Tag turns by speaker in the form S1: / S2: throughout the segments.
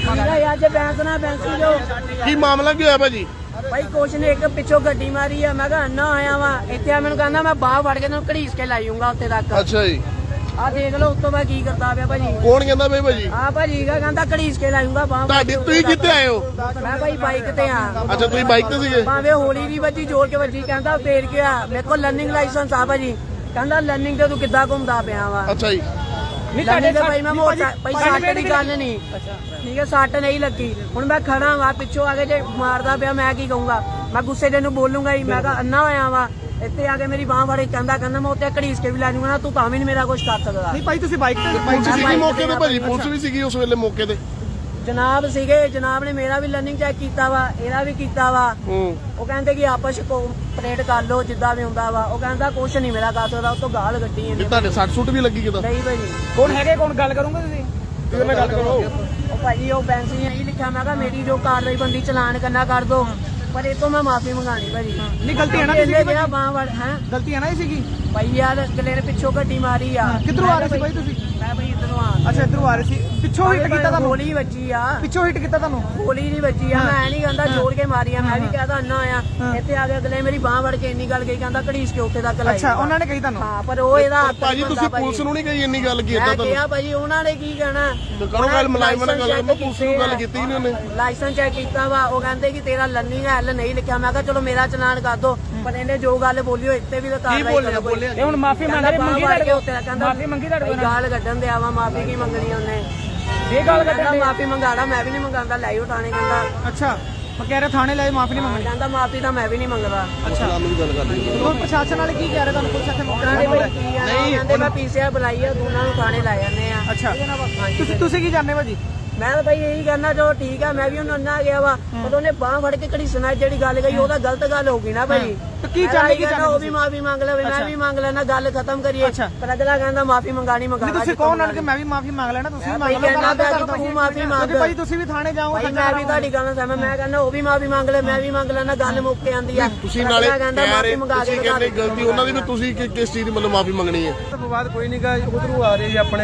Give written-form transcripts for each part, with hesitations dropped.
S1: ਅੱਜ ਬੈਂਸ ਨਾ ਬੈਂਸੀ ਜੋ
S2: ਕੀ ਮਾਮਲਾ ਕੀ ਹੋਇਆ ਭਾਜੀ?
S1: ਭਾਈ ਕੁਛ ਨੇ ਇੱਕ ਪਿੱਛੋਂ ਗੱਡੀ ਮਾਰੀ ਆ। ਮੈਂ ਕਿਹਾ ਅੰਨਾ ਆਇਆ ਵਾ ਇੱਥੇ ਆ, ਮੈਨੂੰ ਕਹਿੰਦਾ ਮੈਂ ਬਾਹ ਫੜ ਕੇ ਤੈਨੂੰ ਘੜੀਸ ਕੇ ਲਾਈਉਂਗਾ ਉੱਤੇ ਤੱਕ।
S2: ਅੱਛਾ ਜੀ,
S1: ਆ ਦੇਖ ਲਓ ਉੱਤੋਂ ਮੈਂ ਕੀ ਕਰਦਾ ਪਿਆ ਭਾਜੀ।
S2: ਕੌਣ ਕਹਿੰਦਾ ਬਈ ਭਾਜੀ?
S1: ਆ ਭਾਜੀ ਕਹਿੰਦਾ ਘੜੀਸ ਕੇ ਲਾਈਉਂਗਾ ਬਾਹ।
S2: ਤੁਹਾਡੀ ਤੁਸੀਂ ਕਿੱਥੇ ਆਏ ਹੋ?
S1: ਮੈਂ ਭਾਈ ਬਾਈਕ ਤੇ ਆ।
S2: ਅੱਛਾ ਤੁਸੀਂ ਬਾਈਕ ਤੇ ਸੀਗੇ?
S1: ਭਾਵੇਂ ਹੋਲੀ ਦੀ ਵੱਜੀ ਜੋਰ ਕੇ ਵੱਜੀ। ਕਹਿੰਦਾ ਫੇਰ ਗਿਆ, ਮੇਰੇ ਕੋਲ ਲਰਨਿੰਗ ਲਾਇਸੈਂਸ ਆ ਭਾਜੀ। ਕਹਿੰਦਾ ਲਰਨਿੰਗ ਤੇ ਤੂੰ ਕਿੱਦਾਂ ਘੁੰਮਦਾ ਪਿਆ ਵਾ।
S2: ਅੱਛਾ ਜੀ,
S1: ਨਹੀਂ ਤੁਹਾਡੇ ਭਾਈ ਮੈਂ ਮੋਟਾ ਭਾਈ ਸੱਟ ਦੀ ਗੱਲ ਨਹੀਂ, ਠੀਕ ਹੈ ਸੱਟ ਨਹੀਂ ਲੱਗੀ। ਹੁਣ ਮੈਂ ਖੜਾ ਵਾ ਪਿੱਛੋਂ ਆ ਕੇ ਜੇ ਮਾਰਦਾ ਪਿਆ ਮੈਂ ਕੀ ਕਹੂੰਗਾ? ਮੈਂ ਗੁੱਸੇ ਦੇ ਨੂੰ ਬੋਲੂੰਗਾ ਹੀ। ਮੈਂ ਕਿਹਾ ਅੰਨਾ ਹੋਇਆ ਵਾ ਇੱਥੇ ਆ ਕੇ ਮੇਰੀ ਬਾਹ ਫੜੇ। ਕਹਿੰਦਾ ਮੈਂ ਉੱਤੇ ਘੜੀਸ ਕੇ ਵੀ ਲੈ ਜੂੰਗਾ ਨਾ, ਤੂੰ ਤਾਂ ਵੀ ਨਹੀਂ ਮੇਰਾ ਕੁਝ ਕਰ ਸਕਦਾ।
S3: ਨਹੀਂ ਭਾਈ ਤੁਸੀਂ ਬਾਈਕ ਤੇ
S2: ਪੁਲਿਸ ਸੀਗੀ ਮੌਕੇ ਤੇ ਭਾਜੀ? ਪੁਲਿਸ ਵੀ ਸੀਗੀ ਉਸ ਵੇਲੇ ਮੌਕੇ ਤੇ?
S1: ਜਨਾਬ ਸੀਗੇ, ਜਨਾਬ ਨੇ ਮੇਰਾ ਵੀ ਲਰਨਿੰਗ ਚੈੱਕ ਕੀਤਾ ਵਾ, ਇਹਦਾ ਵੀ ਕੀਤਾ ਵਾ। ਉਹ ਕਹਿੰਦੇ ਕਿ ਆਪਸ ਕੋਆਪਰੇਟ ਕਰ ਲਓ ਜਿੱਦਾਂ ਵੀ ਹੁੰਦਾ ਵਾ। ਉਹ ਕਹਿੰਦਾ ਕੁਛ ਨਹੀਂ ਮੇਰਾ ਕਰ ਸਕਦਾ। ਉਹ ਤੋਂ ਗਾਲ ਕੱਢੀ ਇਹਨੇ।
S2: ਤੁਹਾਡੇ ਸੱਟ ਸੁੱਟ ਵੀ ਲੱਗੀ ਕਿਦਾਂ?
S1: ਨਹੀਂ ਭਾਈ।
S3: ਕੌਣ ਹੈਗੇ? ਕੌਣ ਗੱਲ ਕਰੋਗੇ ਤੁਸੀਂ? ਮੈਂ ਗੱਲ ਕਰੋ।
S1: ਉਹ ਭਾਜੀ ਉਹ ਬੈਂਸ ਨੇ ਇਹੀ ਲਿਖਿਆ। ਮੈਂ ਕਿਹਾ ਮੇਰੀ ਜੋ ਕਾਰਵਾਈ ਬੰਦੀ ਚਲਾਨ ਕਰਨਾ ਕਰ ਦੋ, ਪਰ ਇਹ ਤੋਂ ਮੈਂ ਮਾਫੀ ਮੰਗਾਣੀ ਭਾਜੀ।
S3: ਨਹੀਂ ਗਲਤੀ ਹੈ ਨਾ
S1: ਇਹਨੇ ਜਿਹੜਾ ਬਾਹ ਵੜ ਹੈ
S3: ਗਲਤੀ ਹੈ ਨਾ ਇਹ ਸੀਗੀ
S1: ਭਾਈ ਯਾਰ ਅਗਲੇ ਨੇ ਪਿੱਛੋਂ ਗੱਡੀ ਮਾਰੀ ਆ।
S3: ਕਿੱਧਰੋਂ ਆ ਰਹੇ ਸੀ ਭਾਈ ਤੁਸੀਂ?
S1: ਮੈਂ ਭਾਈ ਇਧਰੋਂ ਆ।
S3: ਅੱਛਾ ਇਧਰੋਂ ਆ ਰਹੇ ਸੀ। ਪਿੱਛੋਂ ਹਿੱਟ ਕੀਤਾ ਤੁਹਾਨੂੰ?
S1: ਗੋਲੀ ਵੱਜੀ ਆ।
S3: ਪਿੱਛੋਂ ਹਿੱਟ ਕੀਤਾ ਤੁਹਾਨੂੰ?
S1: ਗੋਲੀ ਨਹੀਂ ਵੱਜੀ ਆ। ਮੈਂ ਨਹੀਂ ਕਹਿੰਦਾ ਜੋੜ ਕੇ ਮਾਰੀ ਆ। ਮੈਂ ਵੀ ਕਹਦਾ ਅੰਨਾ ਆਇਆ ਇੱਥੇ ਆ ਕੇ ਅਗਲੇ ਮੇਰੀ ਬਾਹ ਵੜ ਕੇ ਇੰਨੀ ਗੱਲ ਕਹੀ। ਕਹਿੰਦਾ ਘੜੀਸ ਕੇ ਉੱਥੇ ਤੱਕ ਲਾਈ।
S3: ਅੱਛਾ ਉਹਨਾਂ ਨੇ ਕਹੀ ਤੁਹਾਨੂੰ?
S1: ਹਾਂ ਪਰ ਉਹ ਇਹਦਾ
S2: ਭਾਜੀ ਤੁਸੀਂ ਪੁਲਿਸ ਨੂੰ ਨਹੀਂ ਕਹੀ ਇੰਨੀ ਗੱਲ ਕੀ ਏਦਾਂ
S1: ਮੈਂ
S2: ਤੁਹਾਨੂੰ?
S1: ਕਿਹਾ ਭਾਜੀ ਉਹਨਾਂ ਨੇ ਕੀ ਕਹਿਣਾ?
S2: ਕਰੋ ਗੱਲ ਮੁਲਾਜ਼ਮਾਂ ਨਾਲ ਗੱਲ ਕਰੋ। ਪੁਲਿਸ ਨੂੰ ਗੱਲ ਕੀਤੀ ਨਹੀਂ ਉਹਨੇ?
S1: ਲਾਇਸੈਂਸ ਚੈੱਕ ਕੀਤਾ ਵਾ। ਉਹ ਕਹਿੰਦੇ ਕਿ ਤੇਰਾ ਲਰਨਿੰਗ ਐਲ ਨਹੀਂ ਲਿਖਿਆ। ਮੈਂ ਕਿਹਾ ਚਲੋ ਮੇਰਾ ਚਲਾਨ ਕਰ ਦੋ, ਪਰ ਇਹਨੇ ਜੋ ਗੱਲ ਬੋਲੀ ਉਹ ਇੱਥੇ ਵੀ ਤਾਂ ਕਾਰਵਾਈ ਕਰੋ।
S3: ਇਹ ਹੁਣ ਮਾਫੀ ਮੰਗ ਰਹੇ ਮੰਗੀ ਤੁਹਾਡੇ ਕੋਲ? ਮਾਫੀ ਮੰਗੀ ਤੁਹਾਡੇ ਕੋਲ?
S1: ਗਾਲ ਕੱਢਣ ਦਿਆ ਵਾ। ਮਾਫੀ ਕੀ ਮੰਗਣੀ ਉਹਨੇ?
S3: ਇਹ ਗੱਲ
S1: ਕਹਿੰਦਾ ਮਾਫੀ ਮੰਗਾੜਾ। ਮੈਂ ਵੀ ਨਹੀਂ ਮੰਗਾਉਂਦਾ। ਲੈ ਆਓ ਥਾਣੇ। ਕਹਿੰਦਾ
S3: ਅੱਛਾ ਮੈਂ ਕਹਿ ਰਿਹਾ ਥਾਣੇ ਲੈ ਮਾਫੀ ਨਹੀਂ ਮੰਗਣੀ।
S1: ਕਹਿੰਦਾ ਮਾਫੀ ਤਾਂ ਮੈਂ ਵੀ ਨਹੀਂ ਮੰਗਦਾ।
S3: ਅੱਛਾ
S2: ਨੂੰ ਵੀ ਗੱਲ ਕਰ ਲਈ।
S3: ਹੁਣ ਪ੍ਰਸ਼ਾਸਨ ਵਾਲੇ ਕੀ ਕਹਿ ਰਹੇ ਤੁਹਾਨੂੰ? ਪੁਲਿਸ ਇੱਥੇ ਮੌਕੇ
S1: ਕਹਿੰਦੇ
S3: ਤੇ
S1: ਭਾਈ ਨਹੀਂ ਕਹਿੰਦੇ ਮੈਂ ਪੀਸੀਆਰ ਬੁਲਾਈ ਆ, ਦੋਨਾਂ ਨੂੰ ਥਾਣੇ ਲੈ ਜਾਂਦੇ ਆ।
S3: ਅੱਛਾ ਤੁਸੀਂ ਕੀ ਜਾਣਦੇ ਭਾਜੀ?
S1: ਮੈਂ ਤਾਂ ਭਾਈ ਇਹੀ ਕਹਿਣਾ ਚਲੋ ਠੀਕ ਆ। ਮੈਂ ਵੀ ਉਹਨੂੰ ਅੰਨਾ ਗਿਆ ਵਾ, ਪਰ ਉਹਨੇ ਬਾਹ ਫੜ ਕੇ ਘੜੀਸਣਾ ਜਿਹੜੀ ਗੱਲ ਕਹੀ ਉਹਦਾ ਗਲਤ ਗੱਲ ਹੋ ਗਈ ਨਾ ਭਾਈ।
S3: ਕੀ ਚਾਹੁੰਦੇ? ਕੀ ਚਾਹੁੰਦੇ?
S1: ਉਹ ਵੀ ਮਾਫੀ ਮੰਗ ਲਵੇ, ਮੈਂ ਵੀ ਮੰਗ ਲੈਣਾ, ਗੱਲ ਖਤਮ ਕਰੀਏ। ਪਰ ਅਗਲਾ ਕਹਿੰਦਾ ਮਾਫੀ ਮੰਗਾਣੀ ਮੰਗਾਣਾ।
S3: ਤੁਸੀਂ ਕੌਣ ਆਣ ਕੇ ਮੈਂ ਵੀ ਮਾਫੀ ਮੰਗ ਲੈਣਾ? ਤੁਸੀਂ ਵੀ ਮੰਗ ਲਓ।
S1: ਤੂੰ ਮਾਫੀ ਮੰਗ
S3: ਭਾਈ ਤੁਸੀਂ ਵੀ ਥਾਣੇ ਜਾਓ।
S1: ਭਾਈ ਮੈਂ ਵੀ ਤੁਹਾਡੀ ਗੱਲ ਨਾਲ ਮੈਂ ਕਹਿੰਦਾ ਉਹ ਵੀ ਮਾਫੀ ਮੰਗ ਲੈ, ਮੈਂ ਵੀ ਮੰਗ ਲੈਣਾ, ਗੱਲ ਮੁੱਕ ਕੇ ਆਂਦੀ ਆ।
S2: ਤੁਸੀਂ ਨਾਲੇ ਮਾਫੀ ਮੰਗਾ ਕੇ ਕਹਿੰਦੇ ਗਲਤੀ ਉਹਨਾਂ ਦੀ ਵੀ, ਤੁਸੀਂ ਕਿਸ ਚੀਜ਼ ਦੀ ਮਤਲਬ ਮਾਫੀ ਮੰਗਣੀ ਹੈ?
S4: ਵਿਵਾਦ ਕੋਈ ਨਹੀਂ ਗਾ। ਉਧਰੋਂ ਆ ਰਹੇ ਜੀ ਆਪਣੇ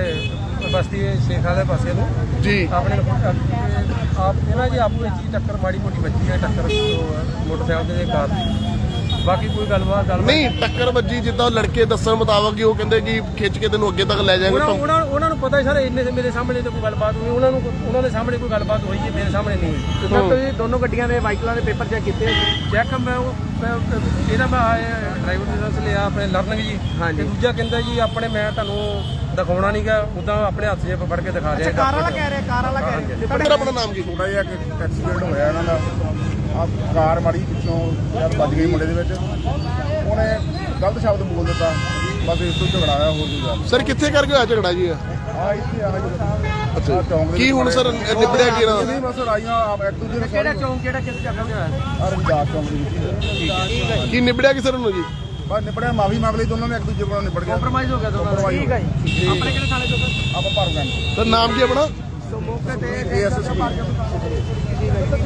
S4: ਬਸਤੀ ਸ਼ੇਖ ਵਾਲੇ ਪਾਸੇ ਨੂੰ
S2: ਜੀ।
S4: ਆਪਣੇ ਆਪ ਇਹਨਾਂ ਜੀ ਆਪਣੀ ਚੀਜ਼ ਟੱਕਰ ਮਾੜੀ ਮੋਟੀ ਵੱਜੀ ਹੈ। ਟੱਕਰ ਮੋਟਰਸਾਈਕਲ ਦੇ ਕਾਰ ਦੀ। ਬਾਕੀ ਕੋਈ ਗੱਲਬਾਤ
S2: ਨਹੀਂ ਟੱਕਰ ਵੱਜੀ ਜਿੱਦਾਂ ਲੜਕੇ ਦੱਸਣ ਮੁਤਾਬਕ ਉਹ ਕਹਿੰਦੇ ਕਿ ਖਿੱਚ ਕੇ ਤੈਨੂੰ ਅੱਗੇ ਤੱਕ ਲੈ ਜਾਏਗਾ।
S4: ਉਹਨਾਂ ਨੂੰ ਪਤਾ ਸਰ ਇੰਨੇ ਮੇਰੇ ਸਾਹਮਣੇ ਤੇ ਕੋਈ ਗੱਲਬਾਤ ਹੋਈ। ਉਹਨਾਂ ਦੇ ਸਾਹਮਣੇ ਕੋਈ ਗੱਲਬਾਤ ਹੋਈ ਹੈ, ਮੇਰੇ ਸਾਹਮਣੇ ਨਹੀਂ ਹੋਈ।
S3: ਸਰ ਤੁਸੀਂ ਦੋਨੋਂ ਗੱਡੀਆਂ ਦੇ ਵਾਹੀਕਲਾਂ ਦੇ ਪੇਪਰ ਚੈੱਕ ਕੀਤੇ?
S4: ਚੈੱਕ ਮੈਂ ਇਹਦਾ ਮੈਂ ਡਰਾਈਵਰ ਲਾਇਸੈਂਸ ਲਿਆ ਆਪਣੇ ਲਰਨਿੰਗ ਜੀ। ਤੇ ਦੂਜਾ ਕਹਿੰਦਾ ਜੀ ਆਪਣੇ ਮੈਂ ਤੁਹਾਨੂੰ ਦਿਖਾਉਣਾ ਨਹੀਂਗਾ, ਉਦਾਂ ਆਪਣੇ ਹੱਥ 'ਚ ਫੜ ਕੇ ਦਿਖਾ ਰਿਹਾ।
S3: ਕਾਰ ਵਾਲਾ ਕਹਿ ਰਿਹਾ? ਕਾਰ ਵਾਲਾ ਕਹਿ ਰਿਹਾ?
S2: ਤੁਹਾਡਾ ਆਪਣਾ ਨਾਮ ਕੀ?
S5: ਥੋੜਾ ਜਿਹਾ ਐਕਸੀਡੈਂਟ ਹੋਇਆ ਇਹਨਾਂ ਦਾ। ਆ ਕਾਰ ਮਾੜੀ ਪਿੱਛੋਂ ਵੱਜ ਗਈ ਮੁੰਡੇ ਦੇ ਵਿੱਚ। ਉਹਨੇ ਗਲਤ ਸ਼ਬਦ ਬੋਲ ਦਿੱਤਾ, ਬਸ ਇਸ ਤੋਂ ਝਗੜਾ ਆਇਆ, ਹੋਰ ਕੋਈ ਗੱਲ।
S2: ਸਰ ਕਿੱਥੇ ਕਰਕੇ ਹੋਇਆ ਝਗੜਾ ਜੀ?
S5: ਆ ਇੱਥੇ ਆ
S2: ਅੱਛਾ
S5: ਚੌਂਕ ਦੇ
S2: ਕੀ ਹੁਣ ਸਰ ਨਿਬੜਿਆ ਕੀ ਨਾ?
S5: ਨਹੀਂ ਬਸ ਆਈਆਂ ਆਪ ਇੱਕ ਦੂਜੇ ਨੂੰ
S3: ਕਿਹੜਾ ਚੌਂਕ? ਕਿਹੜਾ ਕਿਸ ਜਗ੍ਹਾ ਤੇ ਹੋਇਆ?
S5: ਰਮਦਾਸ ਚੌਂਕ ਦੇ ਵਿੱਚ।
S2: ਕੀ ਨਿਬੜਿਆ ਕੀ ਸਰ ਨੂੰ ਜੀ?
S5: ਬਸ ਨਿਬੜਿਆ, ਮਾਫੀ ਮੰਗ ਲਈ ਦੋਨਾਂ ਨੇ, ਇੱਕ ਦੂਜੇ ਕੋਲੋਂ ਨਿਬੜ ਗਿਆ।
S3: ਕੰਪਰਮਾਈਜ਼ ਹੋ ਗਿਆ ਦੋਨਾਂ? ਠੀਕ ਹੈ ਜੀ। ਆਪਣੇ ਕਿਹੜੇ ਥਾਣੇ ਤੋਂ?
S5: ਆਪਾਂ ਭਰ ਗਏ
S2: ਸਰ ਨਾਮ ਕੀ ਆਪਣਾ?
S3: ਸੋ ਮੌਕੇ ਤੇ
S5: ASSP